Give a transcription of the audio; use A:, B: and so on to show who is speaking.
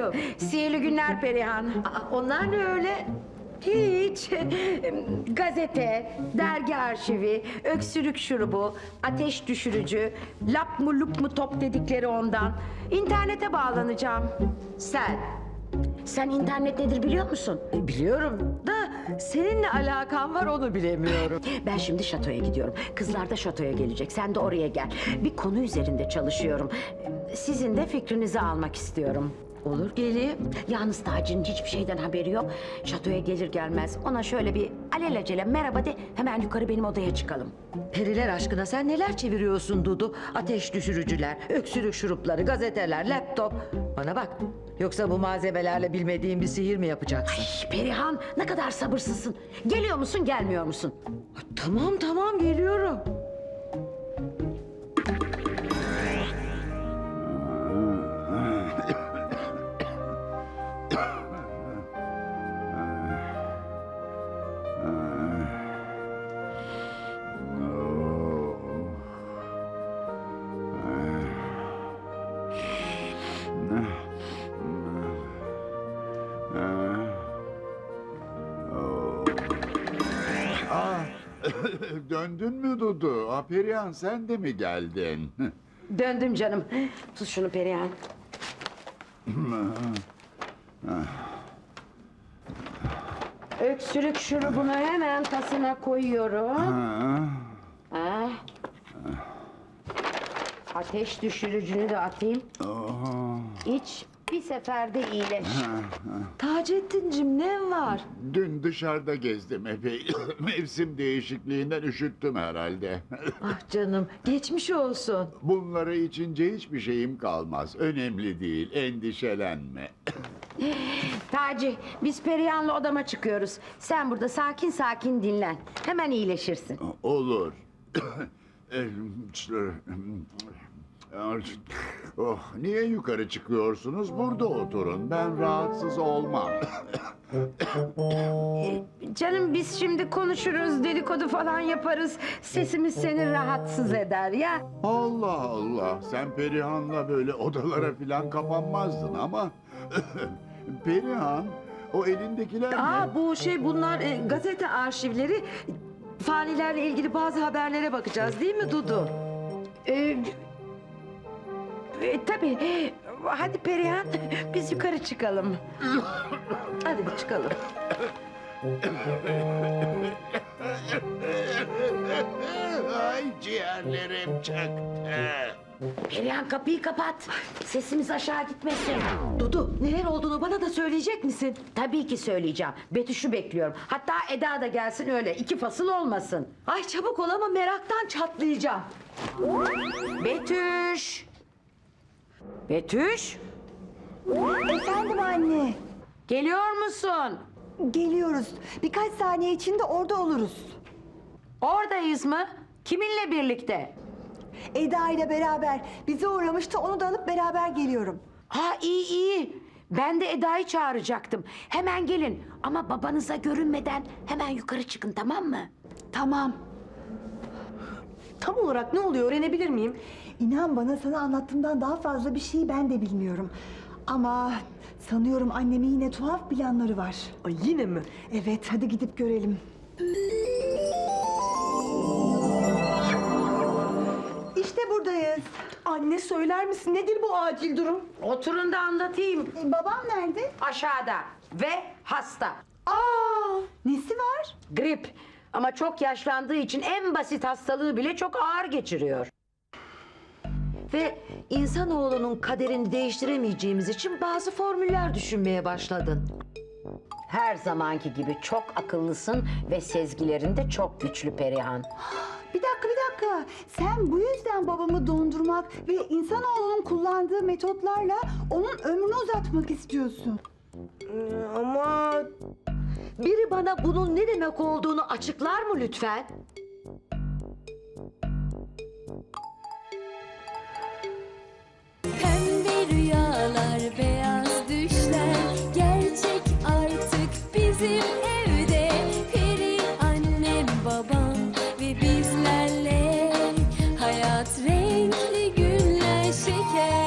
A: aşkım.
B: Sihirli günler Perihan.
A: Onlar ne öyle?
B: Hiç. Gazete, dergi arşivi, öksürük şurubu, ateş düşürücü, lap mı lup mu top dedikleri ondan. İnternete bağlanacağım. Sen internet nedir biliyor musun?
A: Biliyorum da seninle alakan var onu bilemiyorum.
B: Ben şimdi şatoya gidiyorum. Kızlar da şatoya gelecek. Sen de oraya gel. Bir konu üzerinde çalışıyorum. Sizin de fikrinizi almak istiyorum.
A: Olur geleyim.
B: Yalnız Taci'nin hiçbir şeyden haberi yok. Şatoya gelir gelmez ona şöyle bir alelacele merhaba de, hemen yukarı benim odaya çıkalım.
A: Periler aşkına sen neler çeviriyorsun Dudu? Ateş düşürücüler, öksürük şurupları, gazeteler, laptop. Bana bak. Yoksa bu malzemelerle bilmediğin bir sihir mi yapacaksın?
B: Ay Perihan, ne kadar sabırsızsın. Geliyor musun gelmiyor musun?
A: Tamam geliyorum.
C: Döndün mü Dudu? Perihan sen de mi geldin?
B: Döndüm canım. Tut şunu Perihan. Öksürük şurubunu hemen tasına koyuyorum. Ah. Ateş düşürücünü de atayım. İç, bir seferde iyileş.
A: Taceddin'cim ne var?
C: Dün dışarıda gezdim epey. Mevsim değişikliğinden üşüttüm herhalde.
A: Ah canım geçmiş olsun.
C: Bunları içince hiçbir şeyim kalmaz. Önemli değil, endişelenme.
B: Taci, biz Perihan'la odama çıkıyoruz. Sen burada sakin sakin dinlen. Hemen iyileşirsin.
C: Olur. Oh, niye yukarı çıkıyorsunuz? Burada oturun. Ben rahatsız olmam.
B: Canım biz şimdi konuşuruz, dedikodu falan yaparız. Sesimiz seni rahatsız eder ya.
C: Allah Allah. Sen Perihan'la böyle odalara falan kapanmazdın ama... Perihan, o elindekiler ne?
A: Bunlar gazete arşivleri. Fanilerle ilgili bazı haberlere bakacağız değil mi Dudu?
B: Tabii. Hadi Perihan, biz yukarı çıkalım.
A: Hadi bir çıkalım.
C: Ay ciğerlerim çıktı.
B: Perihan kapıyı kapat. Sesimiz aşağı gitmesin.
A: Dudu neler olduğunu bana da söyleyecek misin?
B: Tabii ki söyleyeceğim. Betüş'ü bekliyorum. Hatta Eda da gelsin öyle. 2 fasıl olmasın.
A: Ay çabuk ol ama meraktan çatlayacağım.
B: Betüş! Betüş!
D: Efendim anne.
B: Geliyor musun?
D: Geliyoruz. Birkaç saniye içinde orada oluruz.
B: Oradayız mı? Kiminle birlikte?
D: Eda ile beraber bize uğramıştı. Onu da alıp beraber geliyorum.
B: Ha iyi. Ben de Eda'yı çağıracaktım. Hemen gelin. Ama babanıza görünmeden hemen yukarı çıkın, tamam mı?
D: Tamam.
A: Tam olarak ne oluyor öğrenebilir miyim?
D: İnan bana sana anlattığımdan daha fazla bir şey ben de bilmiyorum. Ama sanıyorum annemin yine tuhaf planları var.
A: Ay yine mi?
D: Evet hadi gidip görelim. İşte buradayız.
A: Anne söyler misin nedir bu acil durum?
B: Oturun da anlatayım.
D: Babam nerede?
B: Aşağıda ve hasta.
D: Aa, nesi var?
B: Grip. Ama çok yaşlandığı için en basit hastalığı bile çok ağır geçiriyor.
A: Ve insanoğlunun kaderini değiştiremeyeceğimiz için bazı formüller düşünmeye başladın.
B: Her zamanki gibi çok akıllısın ve sezgilerin de çok güçlü Perihan.
D: Bir dakika. Sen bu yüzden babamı dondurmak ve insanoğlunun kullandığı metotlarla onun ömrünü uzatmak istiyorsun.
A: Ama biri bana bunun ne demek olduğunu açıklar mı lütfen?
E: Pembe rüyalar, beyaz düşler gerçek artık bizim evde. Peri annem, babam ve bizlerle hayat renkli günler şeker.